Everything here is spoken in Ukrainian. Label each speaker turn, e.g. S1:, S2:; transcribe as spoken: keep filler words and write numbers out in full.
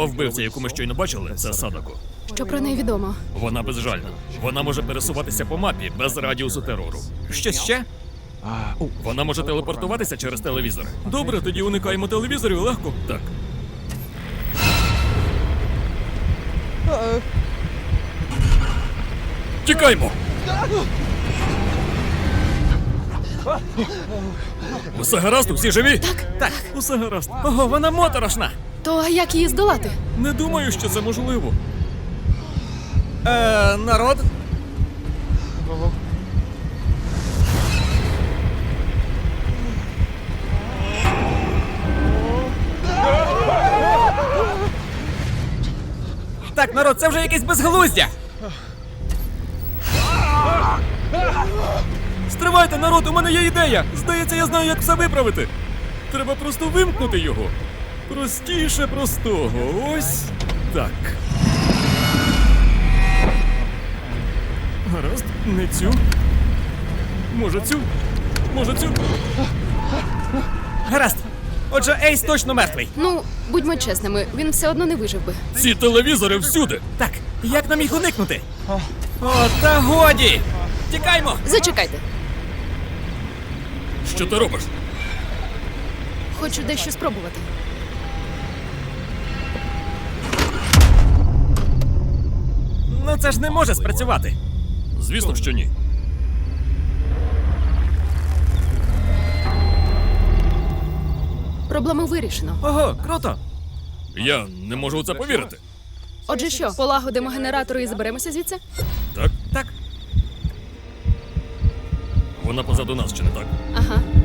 S1: Голова вбивця, яку ми щойно бачили, це Садако.
S2: Що про неї відомо?
S1: Вона безжальна. Вона може пересуватися по мапі без радіусу терору.
S3: Щось ще?
S1: Вона може телепортуватися через телевізор. Добре, тоді уникаємо телевізорів легко. Так. Тікаймо! Усе гаразд, усі живі?
S2: Так,
S3: Так.
S1: Усе гаразд.
S3: Ого, вона моторошна.
S2: То а як її здолати?
S1: Не думаю, що це можливо.
S3: Е, народ? Так, народ, це вже якесь безглуздя.
S1: Стривайте, народ, у мене є ідея! Здається, я знаю, як все виправити. Треба просто вимкнути його. Простіше простого. Ось так. Гаразд, не цю. Може цю? Може цю?
S3: Гаразд. Отже, Ейс точно мертвий.
S2: Ну, будьмо чесними, він все одно не вижив би.
S1: Ці телевізори всюди.
S3: Так, як нам їх уникнути? О, та годі! Тікаймо!
S2: Зачекайте,
S1: Що ти робиш?
S2: хочу дещо спробувати.
S3: Ну це ж не може спрацювати.
S1: Звісно, що ні.
S2: Проблему вирішено.
S3: Ого, круто!
S1: Я не можу у це повірити.
S2: Отже, що, полагодимо генератори і заберемося звідси?
S1: Так?
S3: Так.
S1: Вона позаду нас, чи не так?
S2: Ага.